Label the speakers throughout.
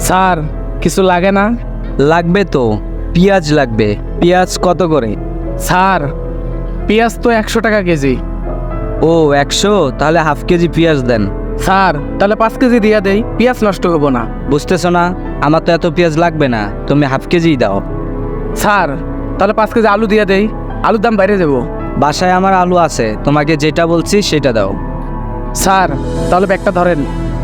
Speaker 1: Sir কিছু লাগে না?
Speaker 2: লাগবে তো, পেঁয়াজ লাগবে। পেঁয়াজ কত করে?
Speaker 1: স্যার পেঁয়াজ তো 100 টাকা কেজি।
Speaker 2: ও 100, তাহলে হাফ কেজি পেঁয়াজ দেন।
Speaker 1: স্যার তাহলে 5 কেজি দিয়া দেই, পেঁয়াজ নষ্ট হবো না।
Speaker 2: বুঝতেছো না, আমার তো এত পেঁয়াজ লাগবে না, তুমি হাফ কেজিই দাও।
Speaker 1: স্যার তাহলে 5 কেজি আলু দিয়া দেই, আলুর দাম বাইরে যাবো।
Speaker 2: বাসায় আমার আলু আছে, তোমাকে যেটা বলছি সেটা দাও।
Speaker 1: স্যার তাহলে ব্যাগটা ধরেন।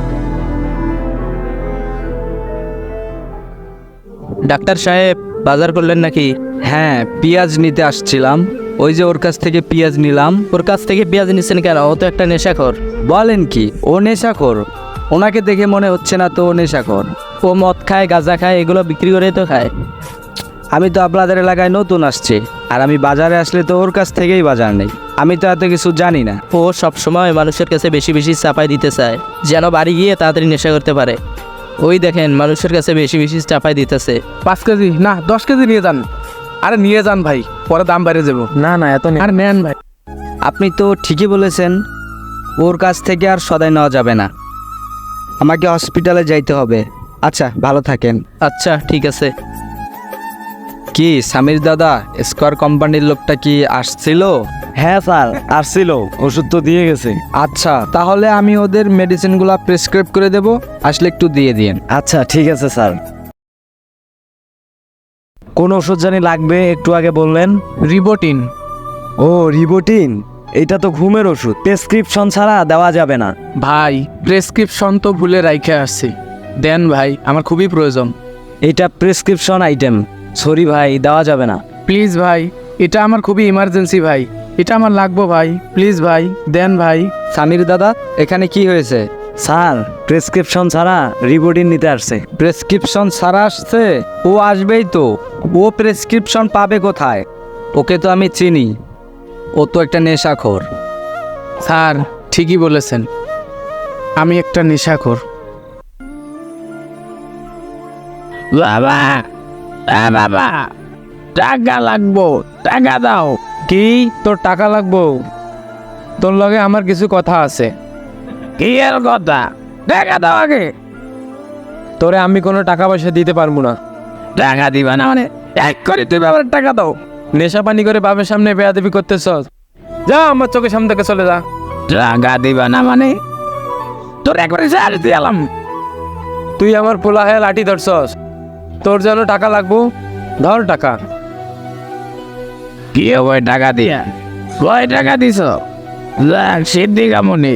Speaker 3: ডাক্তার সাহেব, বাজার করলেন নাকি?
Speaker 2: হ্যাঁ, পেঁয়াজ নিতে আসছিলাম, ওই যে ওর কাছ থেকে পেঁয়াজ নিলাম।
Speaker 3: ওর কাছ থেকে পেঁয়াজ নিচ্ছেন কেন? ও তো একটা নেশাখোর।
Speaker 2: বলেন কি, ও নেশাখোর? ওনাকে দেখে মনে হচ্ছে না তো ও নেশাখোর।
Speaker 3: ও মদ খায়, গাঁজা খায়, এগুলো বিক্রি করেই তো খায়।
Speaker 2: আমি তো আপনাদের এলাকায় নতুন আসছি, আর আমি বাজারে আসলে তো ওর কাছ থেকেই বাজার নেই, আমি তো এত কিছু জানি না।
Speaker 3: ও সবসময় মানুষের কাছে বেশি বেশি চাপাই দিতে চায়, যেন বাড়ি গিয়ে তাড়াতাড়ি নেশা করতে পারে। ওই দেখেন মানুষের কাছে বেশি বেশি চাপাই দিতেছে।
Speaker 1: 5 কেজি না 10 কেজি নিয়ে যান। আরে নিয়ে যান ভাই, পরে দাম বাইরে যাবো।
Speaker 3: না না, এত
Speaker 1: আর নেন ভাই।
Speaker 2: আপনি তো ঠিকই বলেছেন, ওর কাছ থেকে আর সদাই নেওয়া যাবে না, আমাকে হসপিটালে যাইতে হবে। আচ্ছা, ভালো থাকেন।
Speaker 3: আচ্ছা ঠিক আছে।
Speaker 2: কি সামির দাদা, স্কোয়ার কোম্পানির লোকটা কি আসছিল?
Speaker 4: হ্যাঁ স্যার, আসছিল, ওষুধ তো দিয়ে গেছে।
Speaker 2: আচ্ছা, তাহলে আমি ওদের মেডিসিনগুলো প্রেসক্রাইব করে দেব, আসলে একটু দিয়ে দিন।
Speaker 4: আচ্ছা ঠিক আছে স্যার। কোন ওষুধ জানি লাগবে একটু আগে বললেন?
Speaker 1: রিবোটিন।
Speaker 4: ও রিবোটিন, এটা তো ঘুমের ওষুধ, প্রেসক্রিপশন ছাড়া দেওয়া যাবে না।
Speaker 1: ভাই প্রেসক্রিপশন তো ভুলে রাইখে আসছি, দেন ভাই, আমার খুবই প্রয়োজন।
Speaker 4: এটা প্রেসক্রিপশন আইটেম, সরি ভাই, দেওয়া যাবে না।
Speaker 1: প্লিজ ভাই, এটা আমার খুবই ইমার্জেন্সি ভাই, এটা আমার লাগবো ভাই, প্লিজ ভাই দেন ভাই।
Speaker 2: সামির দাদা, এখানে কি হয়েছে?
Speaker 4: স্যার প্রেসক্রিপশন ছাড়া রিবোটিন নিতে আসছে।
Speaker 2: প্রেসক্রিপশন ছাড়া আসছে? ও আসবেই তো, ও প্রেসক্রিপশন পাবে কোথায়? ওকে তো আমি চিনি, ও তো একটা নেশাখোর।
Speaker 1: স্যার ঠিকই বলেছেন, আমি একটা নেশাখোর। বাবা বাবা, টাকা লাগবো, টাকা দাও। কি তোর টাকা লাগবো? তোর লগে আমার কিছু কথা আছে। কি এর কথা? টাকা দাও আগে। তোরে আমি কোনো টাকা পয়সা দিতে পারবো না। টাকা দিবা না মানে এক করে তুই বাবার টাকা দাও। নেশা পানি করে বাবার সামনে বেয়াদবি করতেছ, যা আমার চোখের সামনে থেকে চলে যা। টাকা দিবা না মানে তোর একবারে সার দিলাম। তুই আমার পোলা হয়ে লাঠি ধরছস, তোর যেন টাকা লাগবো, ধর টাকা। কি ওই টাকা দিয়া? কয় টাকা দিছ? সিদ্ধি কামনি।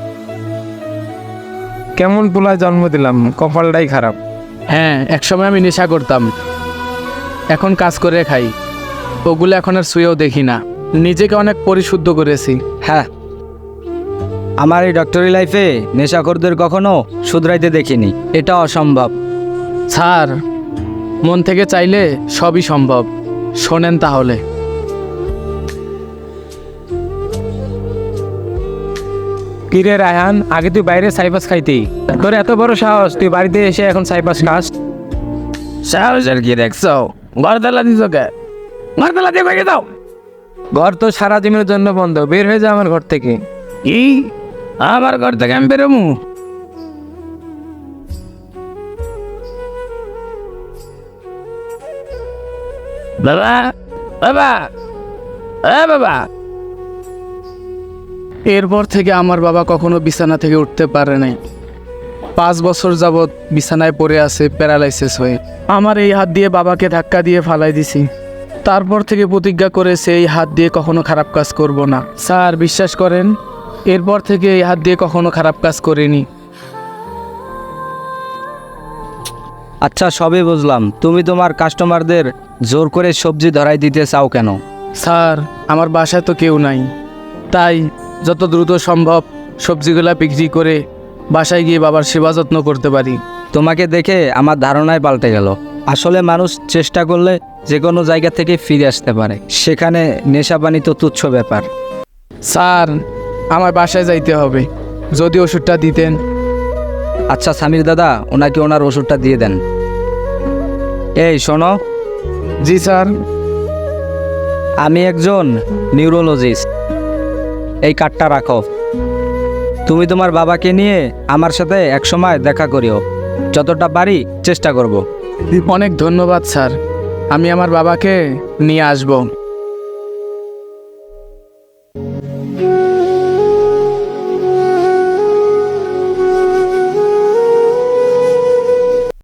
Speaker 1: কেমন পোলায় জন্ম দিলাম, কপালটাই খারাপ। হ্যাঁ, একসময় আমি নেশা করতাম, এখন কাজ করে খাই, ওগুলো এখন আর শুয়েও দেখি না। নিজেকে অনেক পরিশুদ্ধ করেছি।
Speaker 2: হ্যাঁ, আমার এই ডক্টরি লাইফে নেশাখোরদের কখনো শুধরাইতে দেখিনি, এটা অসম্ভব।
Speaker 1: স্যার মন থেকে চাইলে সবই সম্ভব, শোনেন তাহলে। কিরে রায়হান, আগে তুই বাইরে সাইপাস খাইতি, তোর এত বড় সাহস তুই বাড়িতে এসে এখন সাইপাস খাস? সাহসের কি দেখছো? ঘরতলা দিছ কে? ঘরতলা দিয়ে ভেঙে দাও। ঘর তো সারা দিনের জন্য বন্ধ, বের হয়ে যা আমার ঘর থেকে। কি আমার ঘর থেকে আমি বেরোমু? বাবা বাবা বাবা। এরপর থেকে আমার বাবা কখনো বিছানা থেকে উঠতে পারে নাই। 5 বছর যাবৎ বিছানায় পড়ে আছে প্যারালাইসিস হয়ে। আমার এই হাত দিয়ে বাবাকে ধাক্কা দিয়ে ফালাই দিছি। তারপর থেকে প্রতিজ্ঞা করেছে এই হাত দিয়ে কখনো খারাপ কাজ করব না। স্যার বিশ্বাস করেন, এরপর থেকে এই হাত দিয়ে কখনো খারাপ কাজ করিনি।
Speaker 2: আচ্ছা, সবই বুঝলাম, তুমি তোমার কাস্টমারদের জোর করে সবজি ধরাই দিতে চাও কেন?
Speaker 1: স্যার আমার বাসায় তো কেউ নাই, তাই যত দ্রুত সম্ভব সবজিগুলা বিক্রি করে বাসায় গিয়ে বাবার সেবা যত্ন করতে পারি।
Speaker 2: তোমাকে দেখে আমার ধারণায় পাল্টে গেল। আসলে মানুষ চেষ্টা করলে যে কোনো জায়গা থেকে ফিরে আসতে পারে, সেখানে নেশাপানি তো তুচ্ছ ব্যাপার।
Speaker 1: স্যার আমার বাসায় যাইতে হবে, যদি ওষুধটা দিতেন।
Speaker 2: আচ্ছা সামির দাদা, ওনাকে ওনার ওষুধটা দিয়ে দেন। এই শোনো।
Speaker 1: জি স্যার।
Speaker 2: আমি একজন নিউরোলজিস্ট, এই কার্ডটা রাখো, তুমি তোমার বাবাকে নিয়ে আমার সাথে একসময় দেখা করিও। যতটা পারি চেষ্টা করব।
Speaker 1: অনেক ধন্যবাদ স্যার, আমি আমার বাবাকে নিয়ে আসবো।